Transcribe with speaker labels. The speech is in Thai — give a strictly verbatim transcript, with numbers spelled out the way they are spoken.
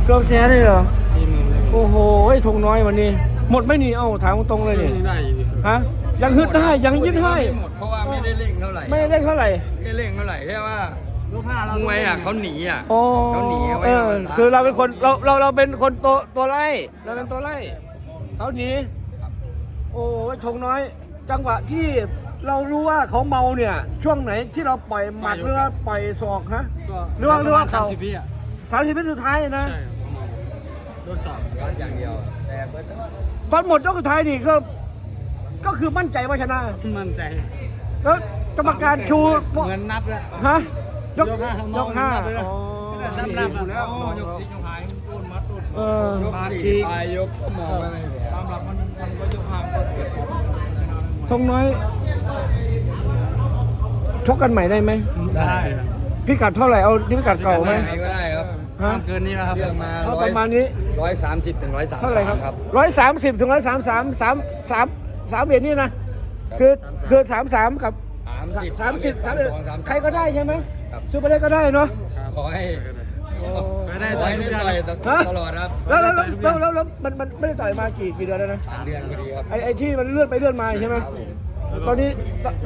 Speaker 1: เกือบแสนเลยเหรอ
Speaker 2: สี่หมื่นเลย
Speaker 1: โอ้โหธงน้อยวันนี้ หมดไม่หนีเอ้าถามตรงๆเลยเนี่ย
Speaker 2: ได้อยู่ดิ
Speaker 1: ฮะยังฮึดได้ยังยึดให้
Speaker 3: ไม่หมดเพราะว่าไม่ได้เร่งเท่าไหร่
Speaker 1: ไม่ได้เท่าไหร่
Speaker 3: ไม่ได้เร่งเท่าไหร่แค่ว่าย
Speaker 2: กห้าเรา
Speaker 3: มวยอ่ะเขาหนีอ่ะ
Speaker 1: โอ้
Speaker 3: เขาหนีเอาไว้
Speaker 1: เออ
Speaker 3: ธรรมดา
Speaker 1: คือเราเป็นคนเราเราเราเป็นคนตัวตัวไล่เราเป็นตัวไล่เขาหนีโอ้ธงน้อย จังหวะที่เรารู้ว่าเขาเมาเนี่ย ช่วงไหนที่เราปล่อยหมัดหรือว่าปล่อยศอกฮะ
Speaker 2: ก็
Speaker 1: หรือว่าหรือว่าเขา
Speaker 2: สมสิบวิอ่ะ
Speaker 1: สามสิบวิสุดท้ายนะ
Speaker 2: ใช่ครับประมาณโดนสอบ
Speaker 3: ร้อนอย่างเดียวแต่เบิร์ด
Speaker 1: ตอนหมดยกสุดท้ายนี่ก็ก็คือมั่นใจว่าชนะ
Speaker 2: มั่นใจ
Speaker 1: แล้วกรรมการชู
Speaker 2: เงินนับแล้ว
Speaker 1: ฮะยก
Speaker 2: ยกห้าย
Speaker 1: กห้า
Speaker 2: นับเลยนะ
Speaker 1: อ๋อ
Speaker 2: นับนับแล้วยกสี่ยกห้าโดนมัดโดน
Speaker 1: เออย
Speaker 3: กสี่ปลายยกก็มองไม่เห็น
Speaker 2: ตามหลักมันมันก็ยกห้าก็เกิดผลชนะ
Speaker 1: ธงน้อย ชกกันใหม่ได้ไหม
Speaker 2: ได้
Speaker 1: พิกัดเท่าไหร่เอาพิกัดเก่าไหม
Speaker 3: ไหนก็ได้ครับ
Speaker 1: ฮะ
Speaker 2: เกินนี้แล้วครับ
Speaker 3: เรื่องมา
Speaker 1: เอา
Speaker 3: ร้อ
Speaker 1: ป
Speaker 3: ย
Speaker 1: ระมาณนี้
Speaker 3: ร้อยสามสิบถึงร้อยสาม
Speaker 1: เท่าไหร่ครับ
Speaker 3: ครับ
Speaker 1: ร้อยสามสิบถึงร้อยสามสามสามสามสามเอ็ดนี่นะคือคือสามสามกับ
Speaker 3: สามสิบ
Speaker 1: สามสิบสาม
Speaker 3: ส
Speaker 1: เอ็ด
Speaker 3: องสาม
Speaker 1: ใครก็ได้ใช่ไหม
Speaker 3: ครับ
Speaker 1: ซูเปอร์ได้ก็ได้เนาะ
Speaker 3: ขอให้
Speaker 2: ไปได้
Speaker 3: ขอ
Speaker 2: ต่อย
Speaker 3: ให้
Speaker 2: ทุก
Speaker 3: ได้
Speaker 2: อย่าง
Speaker 3: ต่อย
Speaker 1: ฮะ
Speaker 3: ตลอดครับ
Speaker 1: แล้วแล้วแล้วแล้วแล้วมันมันไม่ได้ต่อยมากี่กี่เดือนแล้วนะ
Speaker 3: สามเดือนพอดีครับ
Speaker 1: ไอไอที่มันเลื่อนไปเลื่อนมาใช่ไหม
Speaker 3: ครับผม
Speaker 1: ตอนนี้